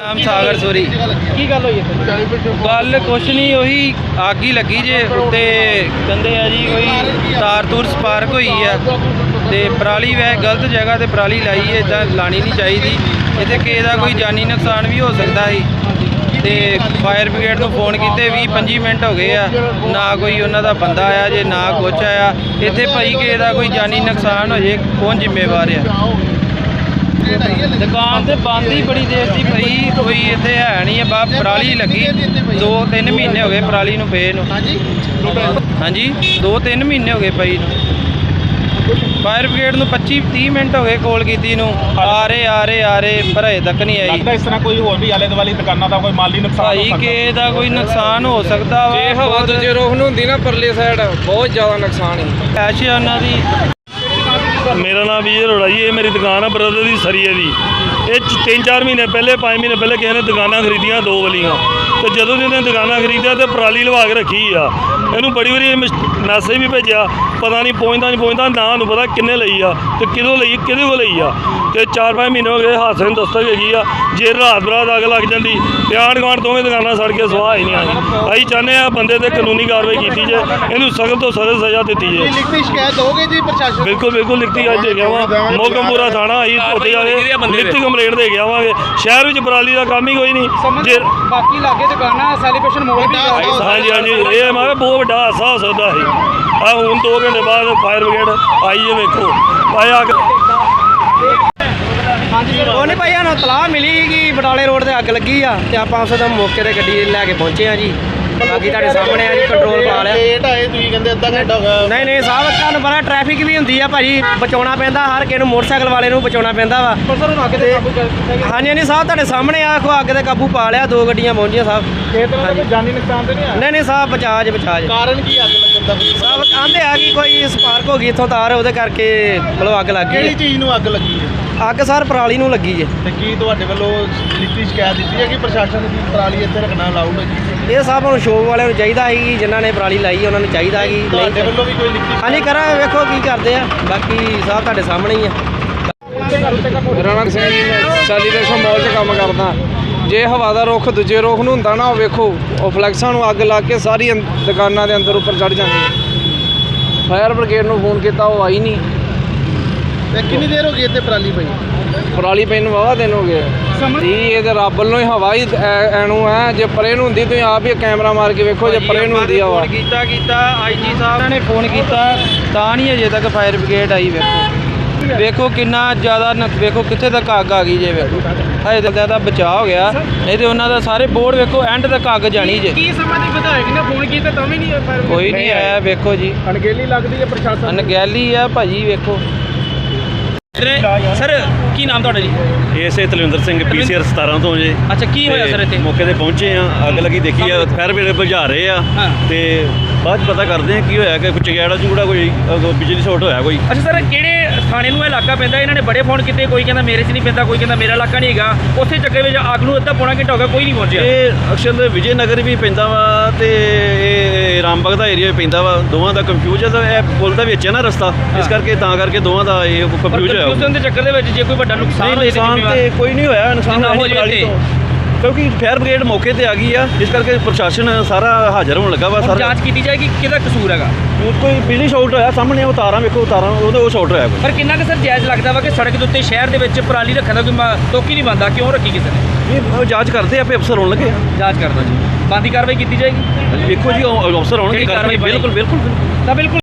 ਨਾਮ ਸਾਗਰ ਸੋਰੀ। ਕੀ ਗੱਲ ਹੋਈ ਹੈ? ਗੱਲ ਕੁਛ ਨਹੀਂ, ਉਹੀ ਅੱਗ ਹੀ ਲੱਗੀ ਜੇ ਉੱਤੇ ਕਹਿੰਦੇ ਆ ਜੀ ਕੋਈ ਤਾਰ ਤੂਰ ਸਪਾਰਕ ਹੋਈ ਆ ਤੇ ਪਰਾਲੀ ਵੈ ਗਲਤ ਜਗ੍ਹਾ ਤੇ ਪਰਾਲੀ ਲਾਈ ਹੈ, ਇਦਾਂ ਲਾਣੀ ਨਹੀਂ ਚਾਹੀਦੀ। ਇੱਥੇ ਕਿਸੇ ਦਾ ਕੋਈ ਜਾਨੀ ਨੁਕਸਾਨ ਵੀ ਹੋ ਸਕਦਾ ਸੀ ਤੇ ਫਾਇਰ ਬ੍ਰਿਗੇਡ ਨੂੰ ਫੋਨ ਕੀਤੇ 20-25 ਮਿੰਟ ਹੋ ਗਏ ਆ, ਨਾ ਕੋਈ ਉਹਨਾਂ ਦਾ ਬੰਦਾ ਆਇਆ ਜੇ ਨਾ ਕੁਛ ਆਇਆ। ਇੱਥੇ ਭਾਈ ਕਿਸੇ ਦਾ ਕੋਈ ਜਾਨੀ ਨੁਕਸਾਨ ਹੋ ਜੇ ਕੌਣ ਜ਼ਿੰਮੇਵਾਰ ਆ? ਦੁਕਾਨ ਤੇ ਬੰਦ ਹੀ ਬੜੀ ਦੇਰ ਦੀ ਪਈ, ਕੋਈ ਇੱਥੇ ਹੈ ਨਹੀਂ ਆ। ਬਾ ਪਰਾਲੀ ਲੱਗੀ 2-3 ਮਹੀਨੇ ਹੋ ਗਏ ਪਰਾਲੀ ਨੂੰ ਪਏ ਨੂੰ। ਹਾਂਜੀ 2-3 ਮਹੀਨੇ ਹੋ ਗਏ ਪਈ ਨੂੰ। ਫਾਇਰ ਬ੍ਰਿਗੇਡ ਨੂੰ 25-30 ਮਿੰਟ ਹੋ ਗਏ ਕਾਲ ਕੀਤੀ ਨੂੰ, ਆ ਰਹੇ ਪਰ ਅਜੇ ਤੱਕ ਨਹੀਂ ਆਈ। ਲੱਗਦਾ ਇਸ ਤਰ੍ਹਾਂ ਕੋਈ ਹੋਰ ਵੀ ਆਲੇ ਦੁਆਲੇ ਦੁਕਾਨਾਂ ਦਾ ਕੋਈ ਮਾਲੀ ਨੁਕਸਾਨ ਭਾਈ ਕਿਸੇ ਦਾ ਕੋਈ ਨੁਕਸਾਨ ਹੋ ਸਕਦਾ ਵਾ। ਜੇ ਹਵਾ ਦੂਜੇ ਰੋਖ ਨੂੰ ਹੁੰਦੀ ਨਾ ਪਰਲੇ ਸਾਈਡ ਬਹੁਤ ਜ਼ਿਆਦਾ ਨੁਕਸਾਨ ਹੈ। ਐਸ਼ ਆ ਉਹਨਾਂ ਦੀ। ਮੇਰਾ ਨਾਮ ਵਿਜੇ ਅਰੋੜਾ ਜੀ। ਇਹ ਮੇਰੀ ਦੁਕਾਨ ਆ ਬ੍ਰਦਰ ਦੀ ਸਰੀਏ ਦੀ। ਇਹ 3-4 ਮਹੀਨੇ ਪਹਿਲੇ 5 ਮਹੀਨੇ ਪਹਿਲੇ ਕਿਸੇ ਨੇ ਦੁਕਾਨਾਂ ਖਰੀਦੀਆਂ 2 ਵਾਲੀਆਂ, ਤੇ ਜਦੋਂ ਦੀ ਉਹਨੇ ਦੁਕਾਨਾਂ ਖਰੀਦਿਆ ਤੇ ਪਰਾਲੀ ਲਵਾ ਕੇ ਰੱਖੀ ਆ। ਇਹਨੂੰ ਬੜੀ ਵਾਰੀ ਮੈਸੇਜ ਵੀ ਭੇਜਿਆ, ਪਤਾ ਨਹੀਂ ਪਹੁੰਚਦਾ ਨਾ ਉਹਨੂੰ ਪਤਾ ਕਿੰਨੇ ਲਈ ਆ ਤੇ ਕਿਹਦੇ ਕੋਲ ਲਈ ਆ। ਤੇ 4-5 ਮਹੀਨੇ ਹੋ ਗਏ ਹਾਦਸੇ ਨੂੰ ਦਸਤਕ ਹੈਗੀ ਆ। ਜੇ ਰਾਤ ਬਰਾਤ ਅੱਗ ਲੱਗ ਜਾਂਦੀ ਤੇ ਆਂਢ ਗੁਆਂਢ ਦੋਵੇਂ ਦੁਕਾਨਾਂ ਸੜ ਕੇ ਸੁਆਹ ਹੀ ਨਹੀਂ ਆਈ। ਅਸੀਂ ਚਾਹੁੰਦੇ ਆ ਬੰਦੇ ਤੇ ਕਾਨੂੰਨੀ ਕਾਰਵਾਈ ਕੀਤੀ ਜੇ, ਇਹਨੂੰ ਸਖਤ ਤੋਂ ਸਖਤ ਸਜ਼ਾ ਦਿੱਤੀ ਜੇ। ਲਿਖਤੀ ਸ਼ਿਕਾਇਤ ਦੋਗੇ ਜੀ ਪ੍ਰਸ਼ਾਸਨ? ਬਿਲਕੁਲ ਲਿਖਤੀ ਅੱਜ ਦੇ ਗਿਆ ਵਾ। ਮੋਗਮਪੁਰਾ ਥਾਣਾ ਅਸੀਂ ਉੱਥੇ ਜਾ ਕੇ ਲਿਖਤੀ ਕੰਪਲੇਂਟ ਦੇ ਕੇ ਆਵਾਂਗੇ। ਸ਼ਹਿਰ ਵਿੱਚ ਪਰਾਲੀ ਦਾ ਕੰਮ ਹੀ ਕੋਈ ਨਹੀਂ। ਜੇ ਬਾਕੀ ਲਾਗੇ ਦੁਕਾਨਾਂ ਸੈਲੀਬ੍ਰੇਸ਼ਨ ਮੋਲ ਵੀ ਹਾਂਜੀ ਇਹ ਮੈਂ ਬਹੁਤ ਵੱਡਾ ਹਾਦਸਾ ਹੋ ਸਕਦਾ ਸੀ। ਆ ਹੁਣ 2 ਘੰਟੇ ਬਾਅਦ ਫਾਇਰ ਬ੍ਰਿਗੇਡ ਆਈ ਹੈ, ਵੇਖੋ ਆਇਆ। ਉਹ ਨਹੀਂ ਭਾਈ ਸਾਨੂੰ ਤਲਾਹ ਮਿਲੀ ਕਿ ਬਟਾਲੇ ਰੋਡ ਤੇ ਅੱਗ ਲੱਗੀ ਆ ਤੇ ਆਪਾਂ ਉਸ ਦਾ ਮੌਕੇ ਤੇ ਗੱਡੀ ਲੈ ਕੇ ਪਹੁੰਚੇ ਆ ਜੀ। ਬਾਕੀ ਤੁਹਾਡੇ ਸਾਹਮਣੇ ਆ ਜੀ, ਕੰਟਰੋਲ ਪਾ ਲਿਆ। ਲੇਟ ਆਏ ਤੁਸੀਂ ਕਹਿੰਦੇ ਅੱਧਾ ਘੰਟਾ ਹੋ ਗਿਆ। ਨਹੀਂ ਸਾਹਿਬ, ਤੁਹਾਨੂੰ ਪਤਾ ਟ੍ਰੈਫਿਕ ਵੀ ਹੁੰਦੀ ਆ ਭਾਜੀ, ਬਚਾਉਣਾ ਪੈਂਦਾ ਹਰ ਕਿਸੇ ਨੂੰ, ਮੋਟਰਸਾਈਕਲ ਵਾਲੇ ਨੂੰ ਬਚਾਉਣਾ ਪੈਂਦਾ ਵਾ। ਹਾਂਜੀ ਸਾਹਿਬ, ਤੁਹਾਡੇ ਸਾਹਮਣੇ ਆ ਅੱਗ ਤੇ ਕਾਬੂ ਪਾ ਲਿਆ। 2 ਗੱਡੀਆਂ ਪਹੁੰਚੀਆਂ ਸਾਹਿਬ। ਕਿਸੇ ਤਰ੍ਹਾਂ ਦਾ ਕੋਈ ਜਾਨੀ ਨੁਕਸਾਨ ਤੇ ਨਹੀਂ ਆਇਆ? ਨਹੀਂ ਸਾਹਿਬ, ਬਚਾਅ ਕਾਰਨ ਕੀ ਅੱਗ ਲੱਗਣ ਦਾ? ਸਾਹਿਬ ਕਹਿੰਦੇ ਆ ਕਿ ਕੋਈ ਸਪਾਰਕ ਹੋ ਗਈ ਇੱਥੋਂ ਤਾਰ, ਉਹਦੇ ਕਰਕੇ ਮਤਲਬ ਅੱਗ ਲੱਗ ਕਿਹੜੀ ਗਈ। ਚੀਜ਼ ਨੂੰ ਅੱਗ ਲੱਗੀ ਹੈ? ਅੱਗ ਸਰ ਪਰਾਲੀ ਨੂੰ ਲੱਗੀ ਜੇ। ਤੇ ਕੀ ਤੁਹਾਡੇ ਵੱਲੋਂ ਲਿਖਤੀ ਸ਼ਿਕਾਇਤ ਦਿੱਤੀ ਹੈ ਕਿ ਪ੍ਰਸ਼ਾਸਨ ਦੀ ਪਰਾਲੀ ਇੱਥੇ ਰੱਖਣਾ ਅਲਾਉਡ ਹੈ ਜੀ? ਇਹ ਸਾਹਿਬ ਨੂੰ ਸ਼ੋਪ ਵਾਲਿਆਂ ਨੂੰ ਚਾਹੀਦਾ ਹੈ ਕਿ ਜਿਨ੍ਹਾਂ ਨੇ ਪਰਾਲੀ ਲਾਈ ਉਹਨਾਂ ਨੂੰ ਚਾਹੀਦਾ ਹੈ ਕਿ ਤੁਹਾਡੇ ਵੱਲੋਂ ਵੀ ਕੋਈ ਲਿਖਤੀ? ਹਾਂਜੀ ਕਰਾਂ, ਵੇਖੋ ਕੀ ਕਰਦੇ ਆ। ਬਾਕੀ ਸਾਹਿਬ ਤੁਹਾਡੇ ਸਾਹਮਣੇ ਹੀ ਆ। ਮੇਰਾ ਨਾਮ ਸਿੰਘ ਜੀ, ਮੈਂ ਸੈਲੀਬ੍ਰੇਸ਼ਨ ਮਾਲ 'ਚ ਕੰਮ ਕਰਦਾ। ਜੇ ਹਵਾ ਦਾ ਰੁੱਖ ਦੂਜੇ ਰੁੱਖ ਨੂੰ ਹੁੰਦਾ ਨਾ, ਉਹ ਵੇਖੋ ਉਹ ਫਲੈਕਸਾਂ ਨੂੰ ਅੱਗ ਲੱਗ ਕੇ ਸਾਰੀ ਦੁਕਾਨਾਂ ਦੇ ਅੰਦਰ ਉੱਪਰ ਚੜ ਜਾਂਦੀ। ਫਾਇਰ ਬ੍ਰਿਗੇਡ ਨੂੰ ਫੋਨ ਕੀਤਾ, ਉਹ ਆਈ ਨਹੀਂ। ਤੇ ਕਿੰਨੀ ਦੇਰ ਹੋ ਗਈ ਇੱਥੇ ਪਰਾਲੀ ਪਈ? ਪਰਾਲੀ ਪੈ ਨੂੰ ਵਾਹਵਾ ਦਿਨ ਹੋ ਗਏ ਜੀ। ਇਹ ਤੇ ਰੱਬ ਵੱਲੋਂ ਹੀ ਹਵਾ ਹੀ ਐਨੂੰ ਹੈ। ਜੇ ਪਰੇ ਨੂੰ ਹੁੰਦੀ ਤੁਸੀਂ ਆਪ ਹੀ ਕੈਮਰਾ ਮਾਰ ਕੇ ਵੇਖੋ, ਜੇ ਪਰੇ ਨੂੰ ਹੁੰਦੀ ਹਵਾ। ਕੀਤਾ ਆਈਜੀ ਸਾਹਿਬ ਨੇ ਫੋਨ ਕੀਤਾ ਤਾਂ ਨਹੀਂ ਅਜੇ ਤੱਕ ਫਾਇਰ ਬ੍ਰਿਗੇਡ ਆਈ। ਵੇਖੋ ਕਿੰਨਾ ਜ਼ਿਆਦਾ ਵੇਖੋ ਕਿੱਥੇ ਤੱਕ ਅੱਗ ਆ ਗਈ ਜੇ। ਵੇਖੋ ਹਜੇ ਤੱਕ ਦਾ ਬਚਾਅ ਹੋ ਗਿਆ, ਨਹੀਂ ਤੇ ਉਹਨਾਂ ਦਾ ਸਾਰੇ ਬੋਰਡ ਵੇਖੋ ਐਂਡ ਤੱਕ ਅੱਗ ਜਾਣੀ ਜੇ। ਕੀ ਸਮਾਂ ਦੀ ਵਿਧਾਇਕ ਨੇ ਫੋਨ ਕੀਤਾ ਤਾਂ ਵੀ ਨਹੀਂ ਕੋਈ ਨਹੀਂ ਆਇਆ। ਵੇਖੋ ਜੀ ਅਣਗਹਿਲੀ ਲੱਗਦੀ ਹੈ ਪ੍ਰਸ਼ਾਸਨ। ਅਣਗਹਿਲੀ ਆ ਭਾਜੀ। ਵੇਖੋ ਸਰ ਕੀ ਨਾਮ ਤੁਹਾਡਾ ਜੀ? ਇਸੇ ਤਲਵਿੰਦਰ ਸਿੰਘ PCR 17 ਤੋਂ ਜੇ। ਅੱਛਾ, ਕੀ ਹੋਇਆ ਸਰ ਇੱਥੇ? ਮੌਕੇ ਤੇ ਪਹੁੰਚੇ ਆ, ਅੱਗ ਲੱਗੀ ਦੇਖੀ ਆ, ਫਾਇਰ ਬ੍ਰਿਗੇਡ ਬੁਝਾ ਰਹੇ ਆ ਤੇ ਬਾਅਦ 'ਚ ਪਤਾ ਕਰਦੇ ਆ ਕੀ ਹੋਇਆ ਕਿ ਕੁਝ ਚੰਗਿਆੜਾ ਚੁੰਗੜਾ ਕੋਈ ਬਿਜਲੀ ਸ਼ਾਰਟ ਹੋਇਆ ਕੋਈ। ਅੱਛਾ ਸਰ, ਕਿਹੜੇ ਥਾਣੇ ਨੂੰ ਇਹ ਇਲਾਕਾ ਪੈਂਦਾ? ਇਹਨਾਂ ਨੇ ਬੜੇ ਫੋਨ ਕੀਤੇ, ਕੋਈ ਕਹਿੰਦਾ ਮੇਰੇ 'ਚ ਨਹੀਂ ਪੈਂਦਾ, ਕੋਈ ਕਹਿੰਦਾ ਮੇਰਾ ਇਲਾਕਾ ਨਹੀਂ ਹੈਗਾ। ਉੱਥੇ ਚੱਕਰ ਵਿੱਚ ਅੱਗ ਨੂੰ ਅੱਧਾ ਪੌਣਾ ਘੰਟਾ ਹੋ ਗਿਆ, ਕੋਈ ਨਹੀਂ ਪਹੁੰਚਿਆ। ਇਹ ਅਕਸਰ ਦੇ ਵਿਜੇ ਨਗਰ ਵੀ ਪੈਂਦਾ ਵਾ ਤੇ ਇਹ ਰਾਮਬਾਗ ਦਾ ਏਰੀਆ ਵੀ ਪੈਂਦਾ ਵਾ। ਦੋਵਾਂ ਦਾ ਕੰਫਿਊਜ਼ ਹੈ। ਇਹ ਪੁਲ ਦਾ ਵਿੱਚ ਹੈ ਨਾ ਰਸਤਾ, ਇਸ ਕਰਕੇ ਤਾਂ ਕਰਕੇ ਦੋਵਾਂ ਦਾ ਇਹ ਕੰਫਿਊਜ਼ ਹੋਇਆ। ਕੰਫਿਊਜ਼ਨ ਦੇ ਚੱਕਰ ਦੇ ਵਿੱਚ ਜੇ ਕੋਈ ਵੱਡਾ ਨੁਕਸਾਨ ਹੋਏ ਨੁਕਸਾਨ ਤੇ ਕੋਈ ਨਹੀਂ ਹੋਇਆ। ਨੁਕਸਾਨ ਹੋ ਜਾਵੇ ਕਿਉਂਕਿ ਫਾਇਰ ਬ੍ਰਿਗੇਡ ਮੌਕੇ ਤੇ ਆ ਗਈ ਆ, ਇਸ ਕਰਕੇ ਪ੍ਰਸ਼ਾਸਨ ਸਾਰਾ ਹਾਜ਼ਰ ਹੋਣ ਲੱਗਾ ਵਾ। ਸਾਰਾ ਜਾਂਚ ਕੀਤੀ ਜਾਏਗੀ ਕਿਹਦਾ ਕਸੂਰ ਹੈਗਾ। ਕੋਈ ਬਿਜਲੀ ਸ਼ਾਰਟ ਹੋਇਆ, ਸਾਹਮਣੇ ਉਹ ਤਾਰਾਂ ਵੇਖੋ, ਤਾਰਾਂ ਉਹ ਸ਼ਾਰਟ ਹੋਇਆ ਕੋਈ। ਪਰ ਕਿੰਨਾ ਕੁ ਸਰ ਜਾਇਜ਼ ਲੱਗਦਾ ਵਾ ਕਿ ਸੜਕ ਦੇ ਉੱਤੇ ਸ਼ਹਿਰ ਦੇ ਵਿੱਚ ਪਰਾਲੀ ਰੱਖਣ ਦਾ ਕੋਈ ਤੋਕੀ ਨਹੀਂ ਬੰਦਾ? ਕਿਉਂ ਰੱਖੀ ਕਿਸੇ ਨੇ? ਇਹ ਜਾਂਚ ਕਰਦੇ ਆਪੇ ਅਫਸਰ ਹੋਣ ਲੱਗੇ। ਜਾਂਚ ਕਰਦਾ ਜੀ, ਬੰਦੀ ਕਾਰਵਾਈ ਕੀਤੀ ਜਾਏਗੀ। ਵੇਖੋ ਜੀ ਅਫਸਰ ਹੋਣਗੇ। ਬਿਲਕੁਲ ਬਿਲਕੁਲ ਤਾਂ ਬਿਲਕੁਲ